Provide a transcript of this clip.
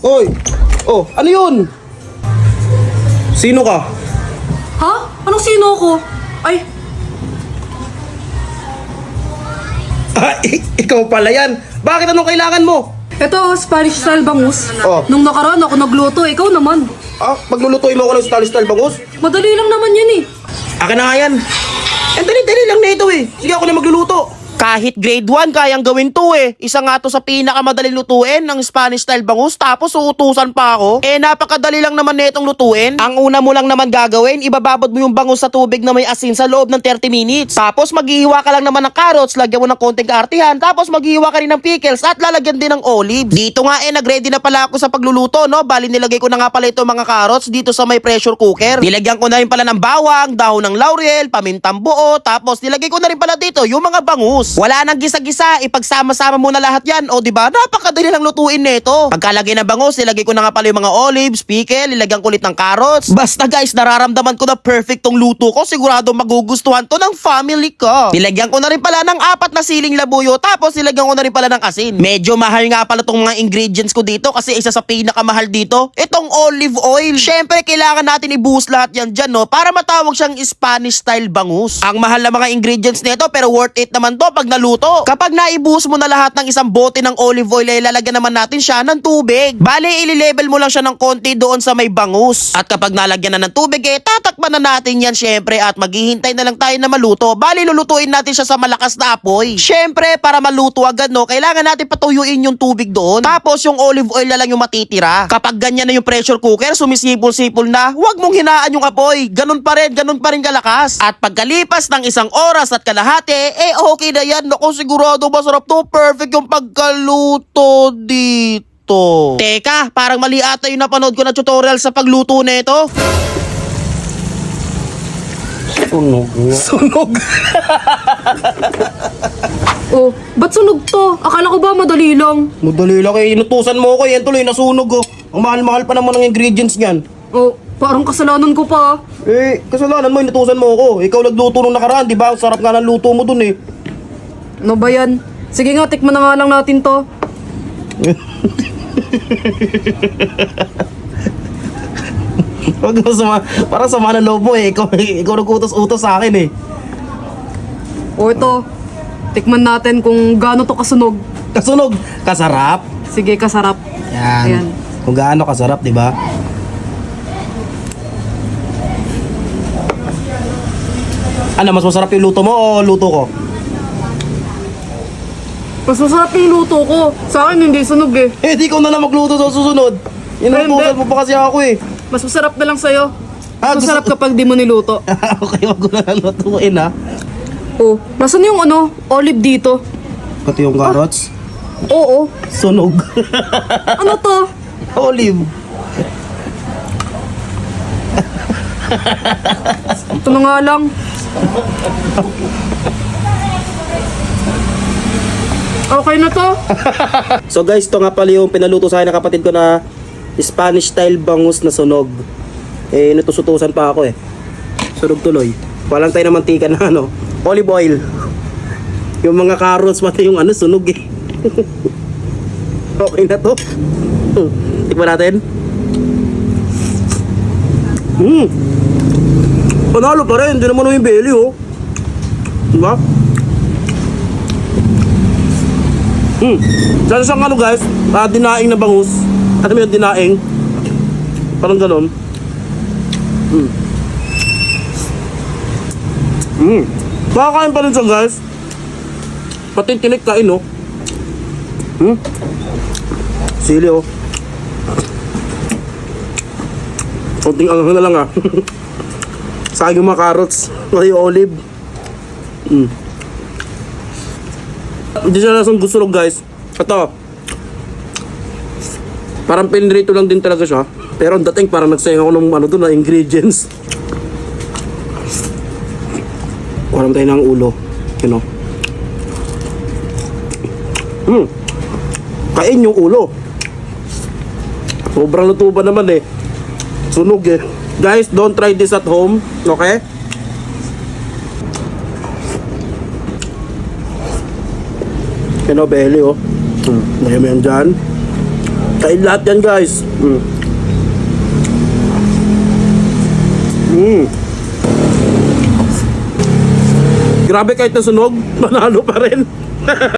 Oy! Oh, ano yun? Sino ka? Ha? Anong sino ko? Ay, Ikaw pala yan. Bakit anong kailangan mo? eto, Spanish style bangus. Oh. Nung nakaraan ako nagluto, ikaw naman. Paglulutuin mo ako ng style bangus? Madali lang naman yan eh. Akin na nga yan. Dali-dali lang na ito eh. Sige, ako na magluluto. Kahit grade 1, kayang gawin to eh. Isa nga to sa pinakamadaling lutuin ng Spanish style bangus, tapos uutusan pa ako. Napakadali lang naman netong lutuin. Ang una mo lang naman gagawin, ibababad mo yung bangus sa tubig na may asin sa loob ng 30 minutes. Tapos maghihiwa ka lang naman ng carrots, lagyan mo ng konting kaartihan, tapos maghihiwa ka rin ng pickles at lalagyan din ng olives. Dito nga nagready na pala ako sa pagluluto, no? Bali nilagay ko na nga pala ito mga carrots dito sa may pressure cooker. Nilagyan ko na rin pala ng bawang, dahon ng laurel, pamintang buo, tapos nilagay ko na rin pala dito yung mga bangus. Wala nang gisa-gisa, ipagsama-sama mo na lahat yan. O diba, napakadali lang lutuin nito. Pagkalagay ng bangus, nilagay ko na nga pala yung mga olives, pickle, nilagyan ko ulit ng carrots. Basta guys, nararamdaman ko na perfect tong luto ko. Sigurado magugustuhan to ng family ko. Nilagyan ko na rin pala ng 4 na siling labuyo, tapos nilagyan ko na rin pala ng asin. Medyo mahal nga pala tong mga ingredients ko dito kasi isa sa pinakamahal dito, itong olive oil. Syempre, kailangan natin ibuhos lahat yan dyan, no? Para matawag siyang Spanish style bangus. Ang mahal na mga ingredients nito, pero worth it naman to pag naluto. Kapag naibuhos mo na lahat ng isang bote ng olive oil, ay lalagyan naman natin siya ng tubig. Bale, ili-level mo lang siya ng konti doon sa may bangus. At kapag nalagyan na ng tubig, tatakpan na natin yan syempre at maghihintay na lang tayo na maluto. Bale, lulutuin natin siya sa malakas na apoy. Syempre, para maluto agad, no, kailangan natin patuyuin yung tubig doon. Tapos, yung olive oil na lang yung matitira. Kapag ganyan na yung pressure cooker, sumisipol-sipol na, huwag mong hinaan yung apoy. Ganun pa rin kalakas. At pagkalipas ng 1 oras at kalahati, okay na yan. Naku, sigurado masarap to. Perfect yung pagkaluto dito. Teka, parang mali ata yung napanood ko na tutorial sa pagluto nito. Sunog. Oh, ba't sunog to? Akala ko ba madali lang? Madali lang inutusan mo ko. Yan tuloy, nasunog oh. Ang mahal-mahal pa naman ng ingredients niyan. Oh, parang kasalanan ko pa. Kasalanan mo, inutusan mo ko. Ikaw nagluto nung nakaraan, di ba? Ang sarap nga ng luto mo dun eh. Ano ba yan? Sige nga, tikman na nga lang natin to. Wag mo parang sama ng loob mo eh. Ikaw nag-utos-utos sa akin eh. O ito, tikman natin kung gaano to kasunog. Kasunog, kasarap. Sige, kasarap. Yan. Ayan. Kung gaano kasarap, di ba? Ano, mas masarap yung luto mo o luto ko? Mas masarap yung luto ko. Sa akin hindi sunog eh. Di ko na lang magluto sa susunod. Inutusan mo pa kasi ako eh. Mas masarap na lang sa'yo. Ah, Mas masarap gusto- kapag di mo niluto. Okay, wag ko na lang lutuin ha. Oh, nasan yung olive dito? Pati yung carrots. Oo. Sunog. Ano to? Olive. Ito na nga lang. Okay na to? So guys, ito nga pala yung pinaluto sa akin ng kapatid ko na Spanish style bangus na sunog. Natusutusan pa ako eh. Sunog tuloy. Walang tayo na mantika na olive oil. Yung mga carrots pati yung sunog eh. Okay na to. Tikman natin. Panalo pa rin, hindi naman yung belly oh. Diba? Sana siyang guys, dinaing na bangus. Ano mo yung dinaing? Parang ganon. Makakain pa rin siya guys. Pati tinik kain oh. Sili oh. Konting anghang na lang ah. Sa akin yung mga carrots, pati yung olive. Hindi siya lasang gusto guys. Ito. Parang pinrito lang din talaga siya. Pero ang dating parang nagsayang ako ng doon na ingredients. Walang tayo ng ulo. You know. Kain yung ulo. Sobrang luto ba naman eh. Sunog eh. Guys, don't try this at home. Okay? Belly oh. Ngayon mo yan dyan. Kain lahat yan, guys. Grabe, kahit nasunog, manalo pa rin.